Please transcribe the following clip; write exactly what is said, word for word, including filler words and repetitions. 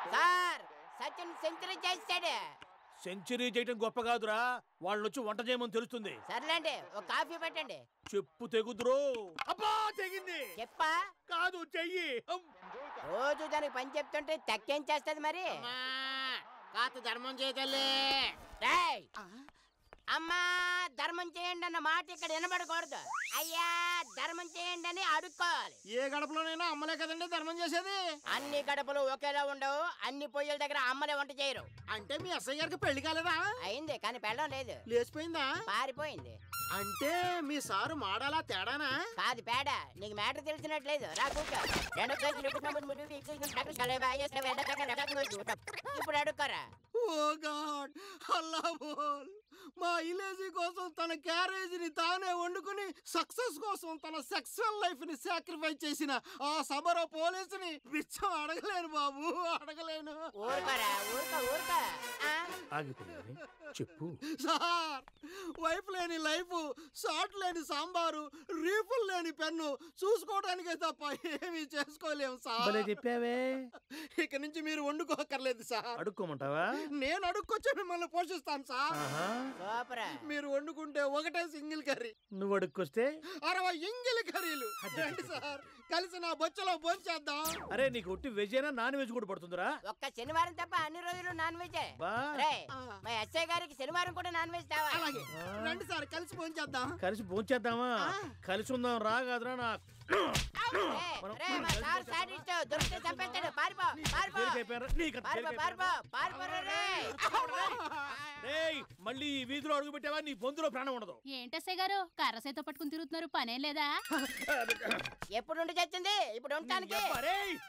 Sir Sachin century చేశాడు. Century చేయటం గొప్ప కాదురా, వాళ్ళు వచ్చి వంట చేయమని తెలుస్తుంది. సర్లేండి ఒక కాఫీ పెట్టండి. చెప్పు తెగుద్రో. అబ్బా తెగింది. చెప్పా కాదు చెయ్యి. రోజు దానికి పని చెప్తుంటే తక్కేం చేస్తుంది మరి. కాత ధర్మం చేయగలే. అమ్మా ధర్మం చేయండి అన్న మాట ఇక్కడ వినబడకూడదు. అయ్యా ధర్మం చేయండి అని అడుక్కోవాలి. ఏ గడపలోనైనా అమ్మలే కదండి ధర్మం చేసేది. అన్ని గడపలు ఒకేలా ఉండవు, అన్ని పొయ్యిల దగ్గర అమ్మలే వంట చేయరు. అంటే మీ అస్సయ్య గారికి పెళ్లి కాలేదా? అయింది కానీ పెళ్ళం లేదు. లేచిపోయిందా? పారిపోయింది. అంటే మీ సారు మాడాలా తేడానా? కాదు పేడ. నీకు మ్యాటర్ తెలిసినట్లేదు. రా కూర్చో. ఇప్పుడు అడుక్కోరా. ఓ గాడ్ అల్లా బోల్. మా ఇలేజీ కోసం తన క్యారేజీని తానే వండుకుని సక్సెస్ కోసం తన సెక్సువల్ లైఫ్ ని సాక్రిఫైస్ చేసిన ఆ సబర పోలీసుని బిచ్చం అడగలేను బాబు, అడగలేను. ఊరుకోరా ఊరుకో ఊరుకో. ఆగిపోయింది. చెప్పు సార్, వైఫ్ లేని లైఫ్, షార్ట్ లేని సాంబారు, రీఫుల్ లేని పెన్ను చూసుకోవడానికే తప్ప ఏమీ చేసుకోలేము సార్. చెప్పావే. ఇక నుంచి మీరు వండుకోకర్లేదు సార్. అడుక్కోమంటావా? నేను అడుక్కొచ్చి మిమ్మల్ని పోషిస్తాను సార్. మీరు వండుకుంటే ఒకటే సింగిల్ కర్రీ, నువ్వు అడుక్కొస్తే అరవై ఇంగిల్ కర్రీలు. రండి సార్, కలిసి నా బొచ్చలో భోంచేద్దాం. అరే నీకు ఒట్టి వెజ్ అయినా నాన్ వెజ్ కూడా పడుతుందిరా? ఒక్క శనివారం తప్ప అన్ని రోజులు నాన్ వెజ్. మా ఎస్ఐ గారికి శనివారం కూడా నాన్ వెజ్ తేవాలి. అలాగే రండి సార్, కలిసి భోంచేద్దాం. కలిసి భోంచేద్దామా? కలిసి ఉందాం రా. కాదురా నా మళ్ళీ ఈ వీధిలో అడుగు పెట్టావా నీ బొందులో ప్రాణం ఉండదు. ఏంటసే గారు కర్రసేతో పట్టుకుని తిరుగుతున్నారు, పనేం లేదా? ఎప్పుడు ఉండి చచ్చింది ఇప్పుడు ఉండటానికి.